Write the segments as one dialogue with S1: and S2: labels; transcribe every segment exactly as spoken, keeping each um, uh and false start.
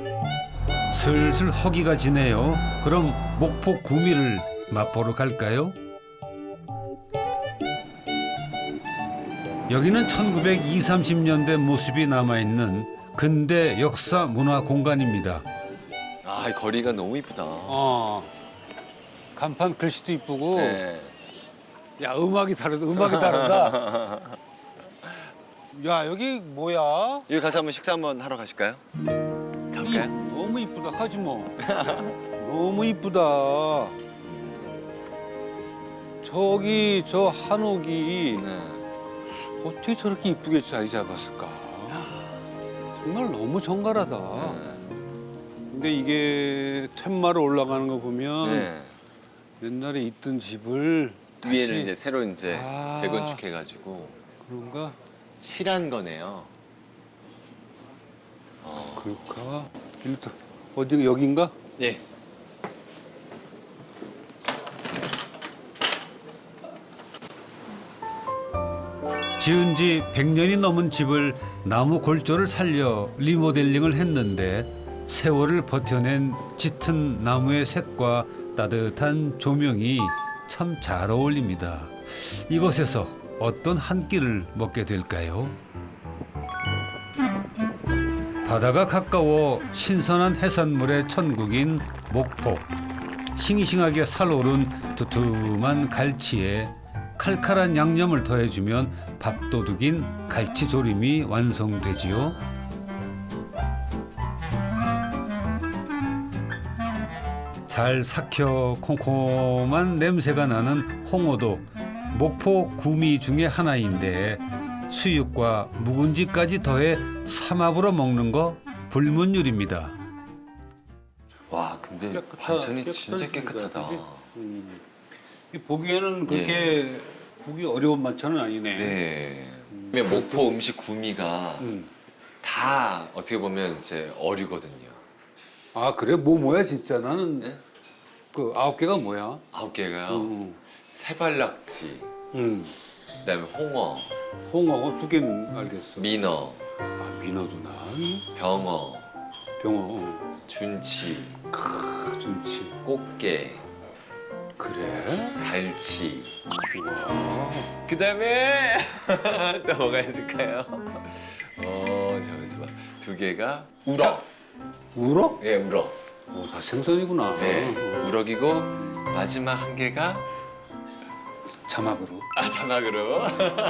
S1: 슬슬 허기가 지네요. 그럼 목포 구미를 맛보러 갈까요? 여기는 천구백이십, 삼십 년대 모습이 남아있는 근대 역사 문화 공간입니다.
S2: 아, 이 거리가 너무 이쁘다.
S1: 어, 간판 글씨도 이쁘고,
S2: 네.
S1: 야 음악이 다르다. 음악이 다르다. 야 여기 뭐야?
S2: 여기 가서 한번 식사 한번 하러 가실까요? 갈까요?
S1: 너무 이쁘다. 하지 뭐. 너무 이쁘다. 저기 저 한옥이
S2: 네.
S1: 어떻게 저렇게 이쁘게 자리 잡았을까? 정말 너무 정갈하다.
S2: 네.
S1: 근데 이게 툇마루 올라가는 거 보면
S2: 네.
S1: 옛날에 있던 집을 다시
S2: 위에는 이제 새로 이제
S1: 아.
S2: 재건축해가지고
S1: 그런가?
S2: 칠한 거네요. 어.
S1: 그럴까? 일단 어디 여긴가?
S2: 네.
S1: 지은 지 백 년이 넘은 집을 나무 골조를 살려 리모델링을 했는데 세월을 버텨낸 짙은 나무의 색과 따뜻한 조명이 참 잘 어울립니다. 이곳에서 어떤 한 끼를 먹게 될까요? 바다가 가까워 신선한 해산물의 천국인 목포. 싱싱하게 살오른 두툼한 갈치에 칼칼한 양념을 더해주면 밥도둑인 갈치조림이 완성되지요. 잘 삭혀 콩콩한 냄새가 나는 홍어도 목포 구미 중에 하나인데 수육과 묵은지까지 더해 삼합으로 먹는 거 불문율입니다.
S2: 와, 근데
S1: 깨끗하-
S2: 반찬이 진짜
S1: 깨끗하십니다,
S2: 깨끗하다.
S1: 그지? 이 보기에는 그렇게 보기 어려운 반찬은 아니네.
S2: 네. 네. 목포 음식 구미가
S1: 음.
S2: 다 어떻게 보면 이제 어류거든요.
S1: 아 그래? 뭐 뭐야 진짜 나는
S2: 네?
S1: 그 아홉 개가 뭐야?
S2: 아홉 개가요.
S1: 음.
S2: 세발낙지,
S1: 음.
S2: 그다음에 홍어,
S1: 홍어 두 개는 알겠어.
S2: 민어,
S1: 아 민어도나
S2: 병어,
S1: 병어,
S2: 준치,
S1: 크 준치.
S2: 꽃게,
S1: 그래?
S2: 갈치.
S1: 와.
S2: 그다음에 또 뭐가 있을까요? 어, 잠깐만 두 개가 우럭.
S1: 우럭?
S2: 예, 우럭.
S1: 어, 다 생선이구나.
S2: 네,
S1: 어.
S2: 우럭이고 마지막 한 개가
S1: 자막으로.
S2: 아, 자막으로.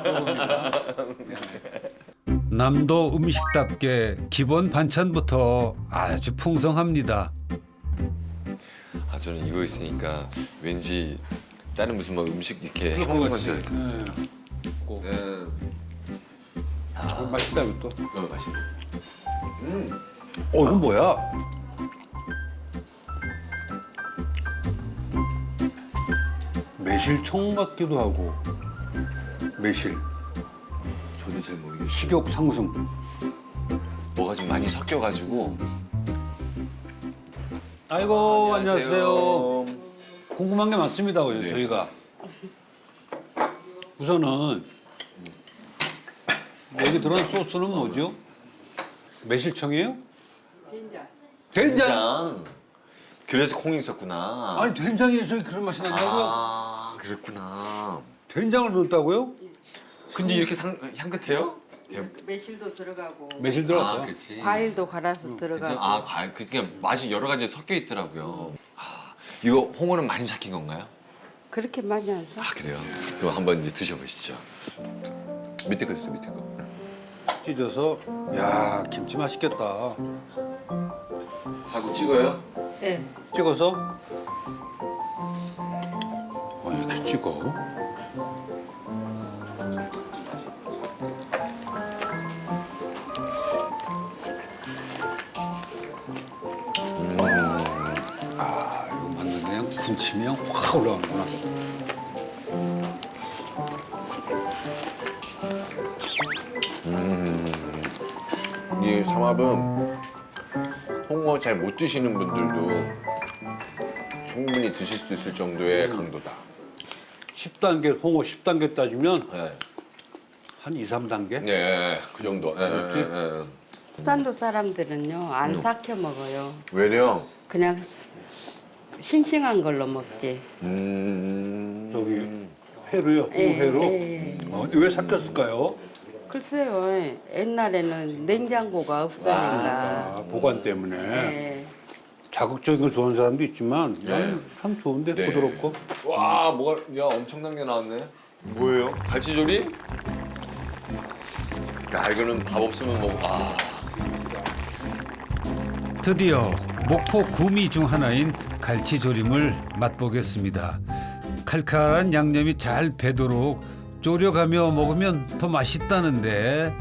S1: 남도 음식답게 기본 반찬부터 아주 풍성합니다.
S2: 아, 저는 이거 있으니까 왠지 다른 무슨 뭐 음식 이렇게
S1: 그럴 것
S2: 해먹는 건
S1: 같지.
S2: 줄 알았어요.
S1: 네. 꼭.
S2: 네.
S1: 아, 맛있다 이것도.
S2: 너무 맛있네. 음.
S1: 어 이건 뭐야? 매실청 같기도 하고 매실
S2: 저도 잘 모르겠어요.
S1: 식욕 상승.
S2: 뭐가 좀 많이 섞여가지고.
S1: 아이고 안녕하세요. 궁금한 게 많습니다.
S2: 네.
S1: 저희가 우선은 여기 들어간 소스는 뭐죠? 매실청이에요?
S3: 된장.
S1: 된장.
S2: 된장. 그래서 콩이 있었구나.
S1: 아니 된장에 저희 그런 맛이 난다고요?
S2: 아, 그랬구나.
S1: 된장을 넣었다고요?
S2: 근데 이렇게 상, 향긋해요? 대-
S3: 매실도 들어가고
S1: 매실
S2: 아,
S1: 들어갔어요.
S2: 그렇지.
S3: 과일도 갈아서
S2: 그치?
S3: 들어가고.
S2: 아, 과일. 그 그냥 맛이 여러 가지 섞여 있더라고요. 아, 이거 홍어는 많이 삭힌 건가요?
S3: 그렇게 많이 안 사.
S2: 아, 그래요. 그럼 한번 이제 드셔보시죠. 밑에 거 있어, 밑에 거.
S1: 찢어서 야 김치 맛있겠다.
S2: 하고 찍어요?
S3: 네.
S1: 찍어서 어, 이렇게 찍어. 아 이거 맞는 그냥 군침이 그냥 확 올라가는구나.
S2: 이 삼합은 홍어 잘 못 드시는 분들도 충분히 드실 수 있을 정도의 강도다.
S1: 십 단계 홍어 십 단계 따지면
S2: 네,
S1: 한 이, 삼 단계?
S2: 네, 그 정도. 네,
S1: 그렇지?
S2: 네, 네.
S3: 부산도 사람들은요 안 삭혀 먹어요.
S2: 왜요?
S3: 그냥 싱싱한 걸로 먹지.
S2: 음.
S4: 저기 회로요?
S3: 예,
S4: 회로?
S3: 예.
S4: 어, 왜 삭혔을까요?
S3: 글쎄요. 옛날에는 냉장고가 없으니까.
S4: 아, 보관 때문에.
S3: 예.
S4: 자극적인 걸 좋아하는 사람도 있지만 나는 참 좋은데
S2: 네.
S4: 부드럽고.
S2: 와, 뭐가 야 엄청난 게 나왔네. 뭐예요? 갈치조림? 야, 이거는 밥 없으면 뭐 아.
S1: 드디어 목포 구미 중 하나인 갈치조림을 맛보겠습니다. 칼칼한 양념이 잘 배도록 졸여가며 먹으면 더 맛있다는데.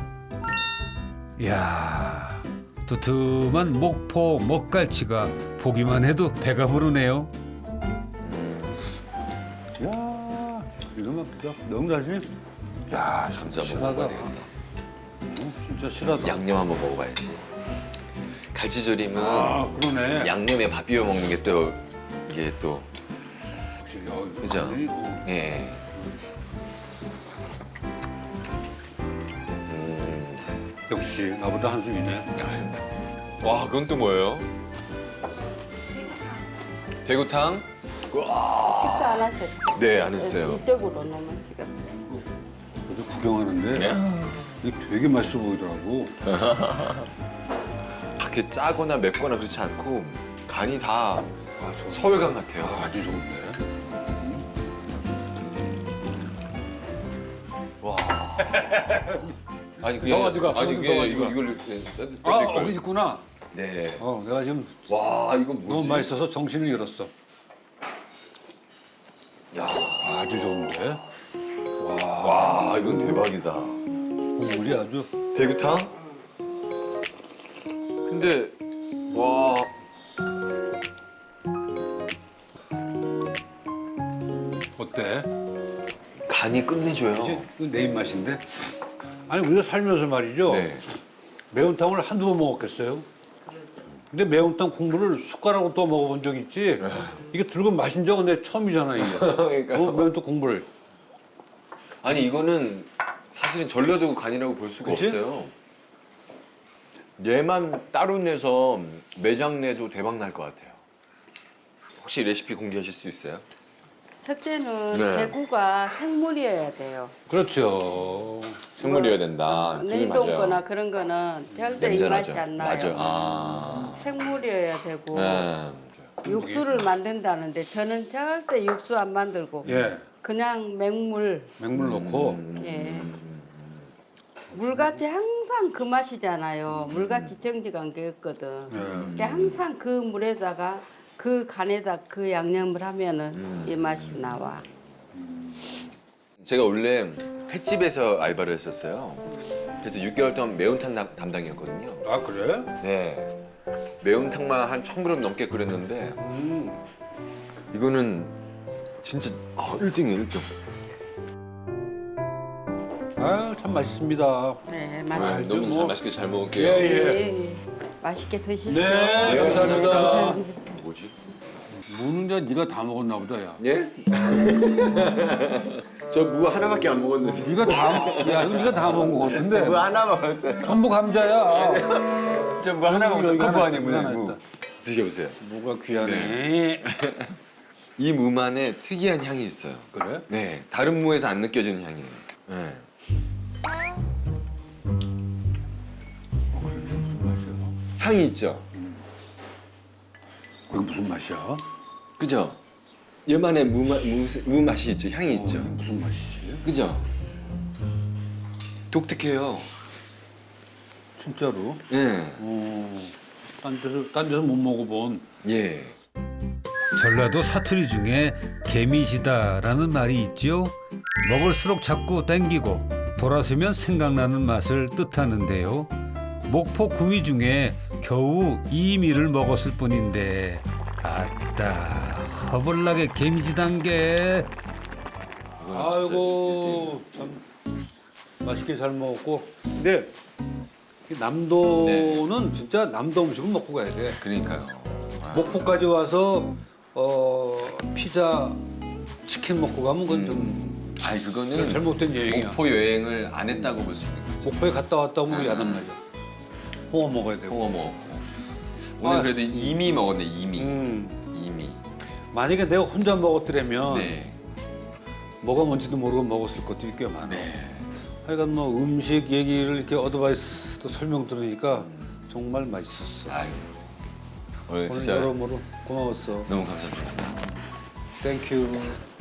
S1: 이야, 두툼한 목포 먹갈치가 보기만 해도 배가 부르네요.
S4: 야, 이거만 너무 자신. 야,
S2: 진짜
S4: 실하다.
S2: 먹어봐야 되겠다.
S4: 어, 진짜 실하다.
S2: 양념 한번 먹어봐야지. 갈치조림은
S4: 아, 그러네.
S2: 양념에 밥 비벼 먹는 게 또 이게 또
S4: 역시, 어,
S2: 그죠?
S4: 아니, 어.
S2: 예. 음.
S4: 역시 나보다 한숨이네.
S2: 와, 그건 또 뭐예요? 대구탕? 와.
S3: 식사 안 하셨죠?
S2: 네, 안 했어요.
S3: 이쪽으로 놓으면 시간.
S4: 그래도 구경하는데
S2: 네?
S4: 이게 되게 맛있어 보이더라고.
S2: 그렇게 짜거나 맵거나 그렇지 않고 간이 다
S4: 아, 좋은데?
S2: 서울간 같아요.
S4: 아주 좋은데.
S2: 와. 아니 그게
S4: 더 가져가,
S2: 아니
S4: 더
S2: 그게
S4: 가져가.
S2: 이거 이걸 써드
S4: 아, 어, 있구나.
S2: 네.
S4: 어, 내가 지금
S2: 와, 이건 뭐지?
S4: 너무 맛있어서 정신을 잃었어.
S2: 야,
S4: 아주 좋은데.
S2: 와, 이건 대박이다.
S4: 국물이 아주.
S2: 대구탕? 근데 와.
S4: 어때?
S2: 간이 끝내줘요.
S4: 이제 이거 내 입맛인데. 아니 우리가 살면서 말이죠.
S2: 네.
S4: 매운탕을 한두 번 먹었겠어요? 근데 매운탕 국물을 숟가락으로 또 먹어본 적 있지? 이게 들고 마신 적은 내 처음이잖아 이게.
S2: 그러니까요.
S4: 어, 매운탕 국물을.
S2: 아니 이거는 사실은 전라도 간이라고 볼 수가
S4: 그치?
S2: 없어요. 얘만 따로 내서 매장 내도 대박 날 것 같아요. 혹시 레시피 공개하실 수 있어요?
S3: 첫째는
S2: 네.
S3: 대구가 생물이어야 돼요.
S4: 그렇죠.
S2: 생물이어야 된다. 그게
S3: 냉동
S2: 맞아요.
S3: 거나 그런 거는 절대 이
S2: 냄새나죠.
S3: 맛이 안 나요.
S2: 맞아요. 아.
S3: 생물이어야 되고
S2: 네.
S3: 육수를 만든다는데 저는 절대 육수 안 만들고
S4: 예.
S3: 그냥 맹물.
S4: 맹물 넣고.
S2: 음.
S3: 예. 물같이 항상 그 맛이잖아요. 물같이 정직한 게 없거든.
S4: 예.
S3: 그러니까 항상 그 물에다가 그 간에다 그 양념을 하면은 이 맛이 나와.
S2: 제가 원래 횟집에서 알바를 했었어요. 그래서 육 개월 동안 매운탕 담- 담당이었거든요.
S4: 아 그래?
S2: 네. 매운탕만 한 천 그램 넘게 끓였는데
S4: 음.
S2: 이거는 진짜 아, 일 등이에요, 일 등.
S4: 아유 참 맛있습니다.
S3: 네,
S2: 아,
S3: 맛있게.
S2: 너무
S4: 뭐-
S2: 잘 맛있게 잘 먹을게요.
S4: 예, 예.
S3: 예, 예. 맛있게 드십시오.
S4: 네, 감사합니다.
S2: 뭐지?
S4: 무는 게 네가 다 먹었나 보다 야.
S2: 예? 저 무 하나밖에 안 먹었는데.
S4: 네가 다, 야 이거 네가 다 먹은 거 같은데.
S2: 무 하나 먹었어요.
S4: 전부 감자야.
S2: 저 무 하나 먹었어요.
S4: 이거
S2: 컵
S4: 하나,
S2: 안에 무,
S4: 하나
S2: 무.
S4: 있다.
S2: 드셔보세요.
S4: 무가 귀하네.
S2: 이 무만의 특이한 향이 있어요.
S4: 그래?
S2: 네, 다른 무에서 안 느껴지는 향이에요. 네.
S4: 무슨 맛이야?
S2: 향이 있죠.
S4: 그게 무슨 맛이야?
S2: 그죠? 얘만의 무, 마, 무, 무 맛이 있죠. 향이 있죠.
S4: 어, 무슨 맛이지?
S2: 그죠? 독특해요.
S4: 진짜로?
S2: 예.
S4: 어, 딴 데서 딴 데서 못 먹어본.
S2: 예.
S1: 전라도 사투리 중에 개미지다라는 말이 있죠. 먹을수록 자꾸 땡기고 돌아서면 생각나는 맛을 뜻하는데요. 목포 구미 중에 겨우 이 미를 먹었을 뿐인데 아따 허벌나게 개미지단 게.
S2: 이거는 진짜
S4: 아이고 참 맛있게 잘 먹었고. 근데 이 남도는 진짜 남도 음식을 먹고 가야 돼.
S2: 그러니까요. 아,
S4: 목포까지 와서 어 피자, 치킨 먹고 가면 그건 좀
S2: 아니 그거는
S4: 잘못된 여행이야.
S2: 목포 여행을 안 했다고 볼 수 있는 거죠.
S4: 목포에 갔다 왔다 오면 야단 나죠. 홍어 먹어야 되고.
S2: 홍어 먹었고. 오늘
S4: 아.
S2: 그래도 이미 먹었네 이미.
S4: 음.
S2: 이미.
S4: 만약에 내가 혼자 먹었더라면
S2: 네.
S4: 뭐가 뭔지도 모르고 먹었을 것들이 꽤 많아.
S2: 네.
S4: 하여간 뭐 음식 얘기를 이렇게 어드바이스도 설명 들으니까 정말 맛있었어.
S2: 아유. 오늘
S4: 오늘
S2: 진짜
S4: 여러모로 고마웠어.
S2: 너무 감사합니다.
S4: 땡큐.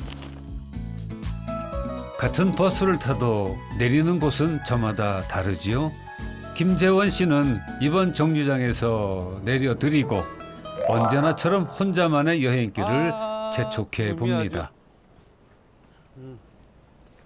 S1: 같은 버스를 타도 내리는 곳은 저마다 다르지요. 김재원 씨는 이번 정류장에서 내려드리고 언제나처럼 혼자만의 여행길을 재촉해 봅니다.